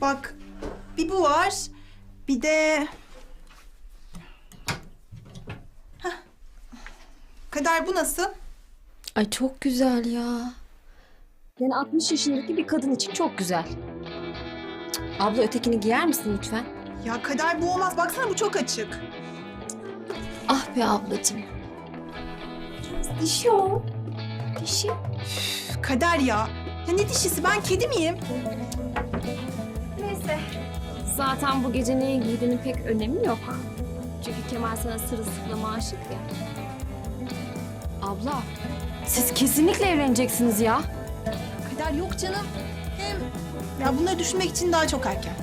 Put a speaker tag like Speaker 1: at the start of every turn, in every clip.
Speaker 1: Bak, bir bu var, bir de... Hah. Kader, bu nasıl?
Speaker 2: Ay çok güzel ya. Yani 60 yaşındaki bir kadın için çok güzel. Cık, abla ötekini giyer misin lütfen?
Speaker 1: Ya Kader, bu olmaz. Baksana, bu çok açık.
Speaker 2: Ah be ablacığım. Dişi o. Dişi.
Speaker 1: Üf, Kader ya. Ya ne dişisi? Ben kedi miyim?
Speaker 2: Neyse. Zaten bu gece neyi giydiğinin pek önemi yok. Çünkü Kemal sana sırılsıklama aşık ya. Abla, siz kesinlikle evleneceksiniz ya.
Speaker 1: Kader, yok canım. Hem ya bunları düşünmek için daha çok erken.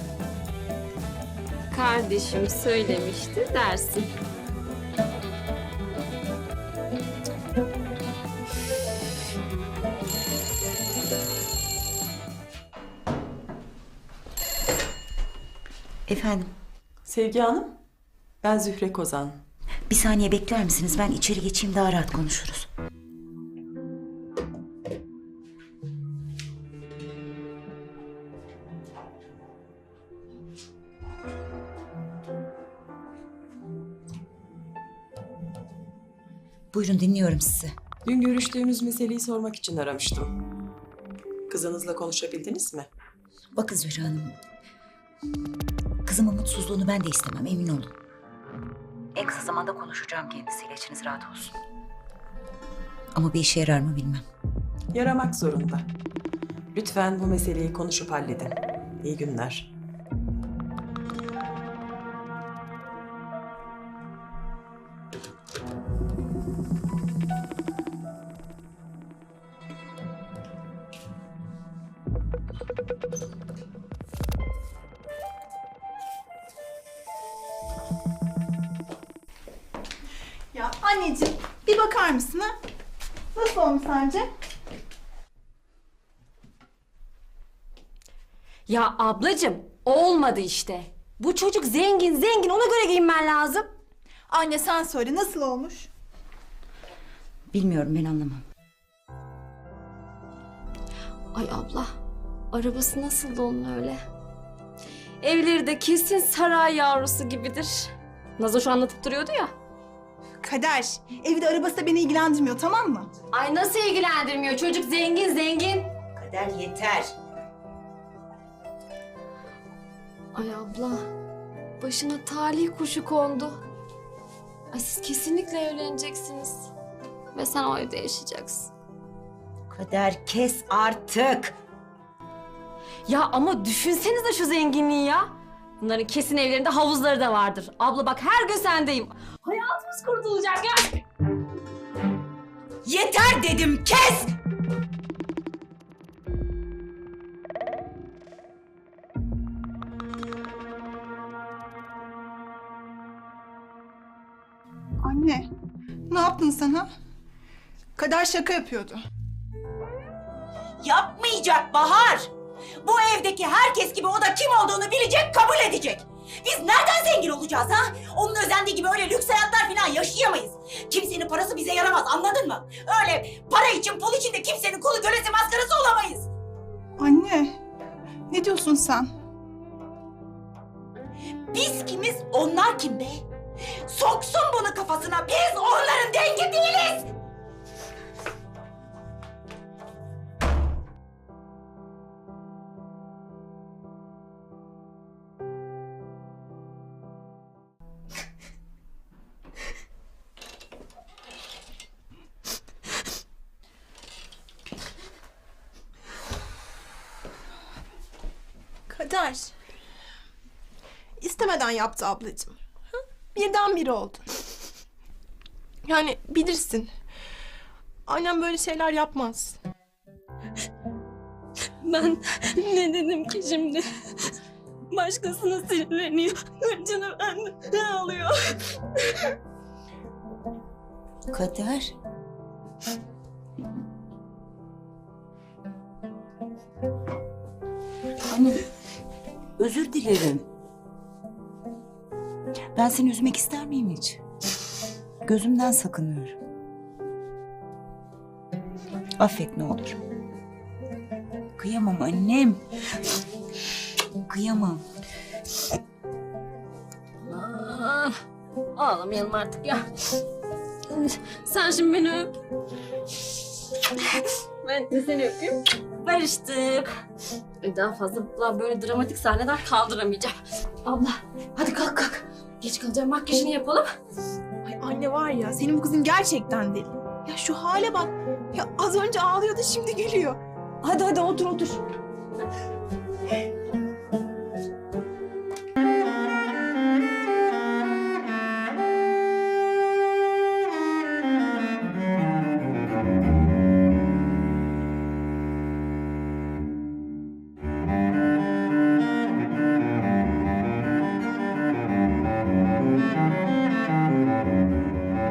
Speaker 2: Kardeşim söylemişti dersin.
Speaker 3: Efendim,
Speaker 4: Sevgi Hanım, ben Zühre Kozan.
Speaker 3: bir saniye bekler misiniz? Ben içeri geçeyim, daha rahat konuşuruz. Buyurun, dinliyorum sizi.
Speaker 4: Dün görüştüğümüz meseleyi sormak için aramıştım. Kızınızla konuşabildiniz mi?
Speaker 3: Bakın Zühre Hanım, kızımın mutsuzluğunu ben de istemem, emin olun. En kısa zamanda konuşacağım kendisiyle, içiniz rahat olsun. Ama bir işe yarar mı bilmem.
Speaker 4: Yaramak zorunda. Lütfen bu meseleyi konuşup halledin. İyi günler.
Speaker 1: Ya anneciğim, bir bakar mısın ha? Nasıl olmuş sence?
Speaker 2: Ya ablacığım, olmadı işte. Bu çocuk zengin, ona göre giyinmen lazım.
Speaker 1: Anne, sen söyle, nasıl olmuş?
Speaker 3: Bilmiyorum, ben anlamam.
Speaker 2: Ay abla, arabası nasıl onun öyle? Evleri de kesin saray yavrusu gibidir. Nazo şu anlatıp duruyordu ya.
Speaker 1: Kader, evi de arabası da beni ilgilendirmiyor, tamam mı?
Speaker 2: Ay nasıl ilgilendirmiyor? Çocuk zengin.
Speaker 3: Kader yeter.
Speaker 2: Ay abla, başına talih kuşu kondu. Ay siz kesinlikle evleneceksiniz. Ve sen o evde yaşayacaksın.
Speaker 3: Kader kes artık.
Speaker 2: Ya ama düşünsenize şu zenginliği ya. Bunların kesin evlerinde havuzları da vardır. Abla bak her gün sendeyim. Hayatımız kurtulacak ya.
Speaker 3: Yeter dedim, kes!
Speaker 1: Anne, ne yaptın sen ha? Kader şaka yapıyordu.
Speaker 5: Yapmayacak Bahar. Bu evdeki herkes gibi o da kim olduğunu bilecek, kabul edecek. Biz nereden zengin olacağız ha? Onun özendiği gibi öyle lüks hayatlar falan yaşayamayız. Kimsenin parası bize yaramaz, anladın mı? Öyle para için, pul için de kimsenin kulu kölesi maskarası olamayız.
Speaker 1: Anne, ne diyorsun sen?
Speaker 5: Biz kimiz, onlar kim be? Soksun bunu kafasına, biz onların dengi değiliz.
Speaker 1: Kader. İstemeden yaptı ablacığım. Hı? Birdenbire oldu. Yani bilirsin. Annem böyle şeyler yapmaz.
Speaker 6: Ben ne dedim ki şimdi? Başkasına sinirleniyor. Canım benden alıyor.
Speaker 3: Kader. Anne, özür dilerim. Ben seni üzmek ister miyim hiç? Gözümden sakınıyorum. Affet ne olur. Kıyamam annem. Kıyamam.
Speaker 2: Ah, ağlamayalım artık ya. Sen şimdi beni öp. Ben de seni öpeyim. Barıştık. Daha fazla böyle dramatik sahneler kaldıramayacağım. Abla hadi kalk kalk. Geç kalacağım, makyajını yapalım.
Speaker 1: Ay anne var ya, senin bu kızın gerçekten deli. Ya şu hale bak. Ya az önce ağlıyordu, şimdi gülüyor.
Speaker 5: Hadi otur.